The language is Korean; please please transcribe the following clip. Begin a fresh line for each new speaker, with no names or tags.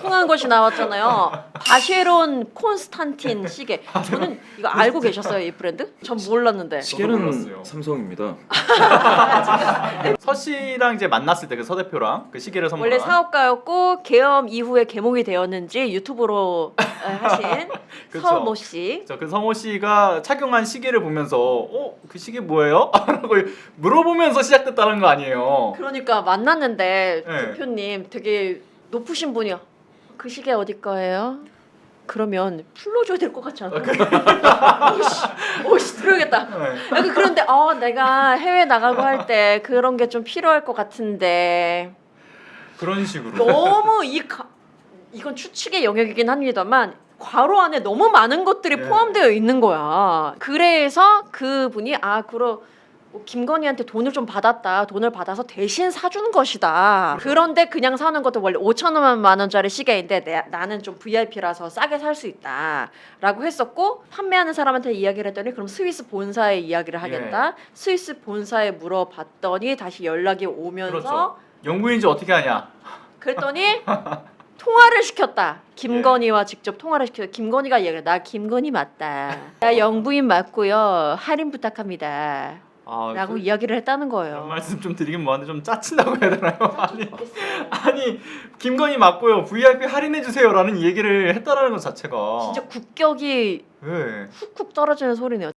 통한 것이 나왔잖아요. 바쉐론 콘스탄틴 시계. 저는 이거 알고 계셨어요, 이 브랜드? 전 몰랐는데.
시계는
몰랐어요.
삼성입니다.
서 씨랑 이제 만났을 때 그 서 대표랑 그 시계를 선물한
원래 사업가였고 계엄 이후에 개몽이 되었는지 유튜브로 하신
그쵸.
서모 씨.
그 성호 씨가 착용한 시계를 보면서 그 시계 뭐예요? 라고 물어보면서 시작됐다는 거 아니에요.
그러니까 만났는데
네.
대표님 되게 높으신 분이요. 그 시계 어디 거예요? 그러면 풀러줘야 될 것 같지 않아? 오씨 들어야겠다.
네.
약간 그런데 내가 해외 나가고 할 때 그런 게 좀 필요할 것 같은데
그런 식으로.
너무 이건 추측의 영역이긴 합니다만 괄호 안에 너무 많은 것들이
예.
포함되어 있는 거야. 그래서 그분이 김건희한테 돈을 좀 받았다. 돈을 받아서 대신 사준 것이다. 그런데 그냥 사는 것도 원래 5천만 원짜리 시계인데 나는 좀 VIP라서 싸게 살 수 있다. 라고 했었고 판매하는 사람한테 이야기를 했더니 그럼 스위스 본사에 이야기를 하겠다. 스위스 본사에 물어봤더니 다시 연락이 오면서
그렇죠. 영부인지 어떻게 하냐?
그랬더니 통화를 시켰다. 김건희와 직접 통화를 시켰다. 김건희가 이야기를 나 김건희 맞다. 나 영부인 맞고요. 할인 부탁합니다. 라고 이야기를 했다는
이런
거예요.
말씀 좀 드리긴 뭐한데 좀 짜친다고 해야 되나요? 아니 김건희 맞고요. VIP 할인해 주세요라는 얘기를 했다라는 것 자체가
진짜 국격이
네.
훅훅 떨어지는 소리네요.